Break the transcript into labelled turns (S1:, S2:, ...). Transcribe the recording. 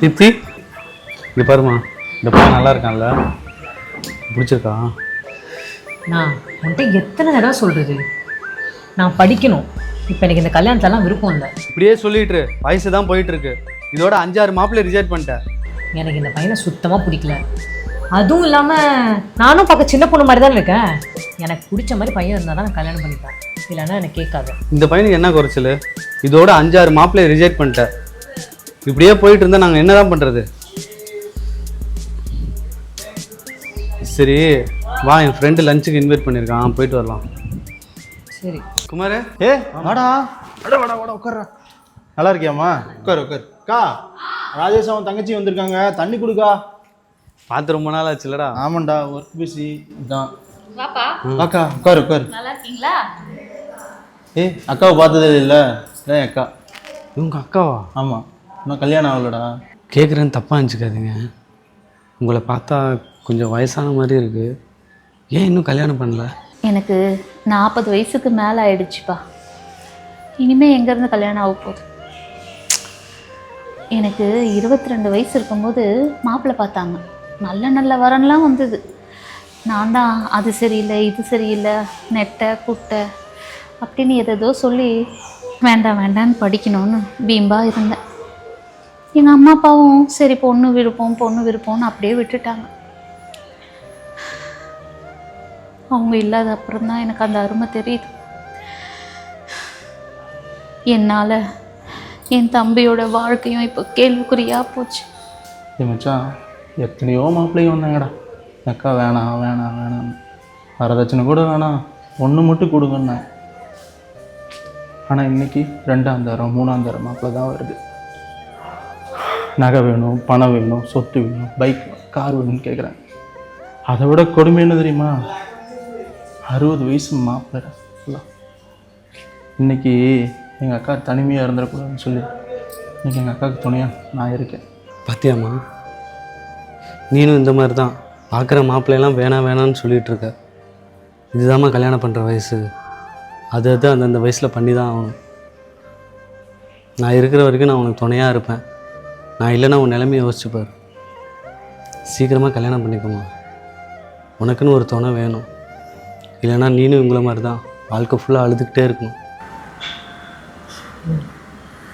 S1: தீப்தி இங்கே பாருமா, இந்த பையன் நல்லா இருக்கான்ல, பிடிச்சிருக்கா?
S2: நான் உன்கிட்ட எத்தனை தடவை சொல்கிறது, நான் படிக்கணும். இப்போ எனக்கு இந்த கல்யாணத்தெல்லாம் விருப்பம் இல்லை.
S1: இப்படியே சொல்லிட்டு வயசு தான் போயிட்டு இருக்கு. இதோட 5-6 மாப்பிள்ளை ரிஜெக்ட் பண்ணிட்டேன்.
S2: எனக்கு இந்த பையனை சுத்தமாக பிடிக்கல. அதுவும் இல்லாமல் நானும் பார்க்க சின்ன பொண்ணு மாதிரி தான் இருக்கேன். எனக்கு பிடிச்ச மாதிரி பையன் இருந்தால் தான் நான் கல்யாணம் பண்ணிப்பேன், இல்லைன்னா எனக்கு கேட்காது.
S1: இந்த பையனுக்கு என்ன குறைச்சல்? இதோட 5-6 மாப்பிள்ளை ரிஜெக்ட் பண்ணிட்டேன். இப்படியே போயிட்டு இருந்தால் நாங்கள் என்ன தான் பண்ணுறது? சரி வா, என் ஃப்ரெண்டு லஞ்சுக்கு இன்வைட் பண்ணியிருக்கான், போயிட்டு வரலாம்.
S2: சரி
S1: குமார்.
S3: வாடா வாடா வாடா வாடா உட்கார்றா. நல்லா இருக்கியாம்மா? உட்கார் உட்கார். அக்கா, ராஜேஷ் அவன் தங்கச்சி வந்திருக்காங்க, தண்ணி கொடுக்கா.
S1: பார்த்து ரொம்ப நாள் ஆச்சுல்லடா.
S3: ஆமாண்டா, ஒர்க் பிஸி தான்.
S4: வாப்பா.
S3: அக்கா உட்கார் உட்கார்.
S4: நல்லா இருக்கீங்களா?
S3: அக்காவை பார்த்ததே இல்லை. இதான் அக்கா.
S1: இவங்க அக்காவா?
S3: ஆமாம், இன்னும் கல்யாணம் ஆகலடா.
S1: கேட்குறேன்னு தப்பாக நினச்சிக்காதீங்க. உங்களை பார்த்தா கொஞ்சம் வயசான மாதிரி இருக்குது. ஏன் இன்னும் கல்யாணம் பண்ணல?
S4: எனக்கு 40 வயசுக்கு மேலே ஆயிடுச்சுப்பா. இனிமேல் எங்கேருந்து கல்யாணம் ஆக போகுது? எனக்கு 22 வயசு இருக்கும்போது மாப்பிள்ளை பார்த்தாங்க. நல்ல நல்ல வரன்லாம் வந்தது. நான் தான் அது சரியில்லை, இது சரியில்லை, நெட்டை குட்டை அப்படின்னு எதோ சொல்லி வேண்டாம் வேண்டான்னு படிக்கணும்னு பீம்பா இருந்தேன். எங்கள் அம்மா அப்பாவும் சரி பொண்ணு விருப்பம்னு அப்படியே விட்டுட்டாங்க. அவங்க இல்லாத அப்புறம் தான் எனக்கு அந்த அருமை தெரியுது. என்னால் என் தம்பியோட வாழ்க்கையும் இப்போ கேள்விக்குறியாக போச்சு.
S3: மச்சான், எத்தனையோ மாப்பிள்ளையும் வந்தாங்கடா. அக்கா வேணாம் வேணாம் வேணாம், வரதட்சணை கூட வேணாம், ஒன்று மட்டும் கொடுங்கண்ணா. ஆனால் இன்னைக்கு 2ஆம் தரம் 3ஆம் தரம் மாப்பிள்ளை தான் வருது. நகை வேணும், பணம் வேணும், சொத்து வேணும், பைக் கார் வேணும்னு கேட்குறாங்க. அதை விட கொடுமை என்ன தெரியுமா? 60 வயசு மாப்பிள்ளை. இன்னைக்கு எங்கள் அக்கா தனிமையாக இருந்துடக்கூடாதுன்னு சொல்லி இன்னைக்கு எங்கள் அக்காவுக்கு துணையாக நான் இருக்கேன்.
S1: பாத்தியாம்மா, நீனும் இந்த மாதிரி தான் பார்க்குற மாப்பிள்ளையெல்லாம் வேணான்னு சொல்லிகிட்டு இருக்க. இதுதாம்மா கல்யாணம் பண்ணுற வயசு. அது அந்தந்த வயசில் பண்ணி தான் ஆகணும். நான் இருக்கிற வரைக்கும் நான் உனக்கு துணையாக இருப்பேன். நான் இல்லைன்னா உன் நிலைமையை யோசிச்சுப்பார். சீக்கிரமாக கல்யாணம் பண்ணிக்கோமா. உனக்குன்னு ஒரு துணை வேணும். இல்லைன்னா நீனும் இவங்கள மாதிரி தான் வாழ்க்கை ஃபுல்லாக அழுதுகிட்டே இருக்கணும்.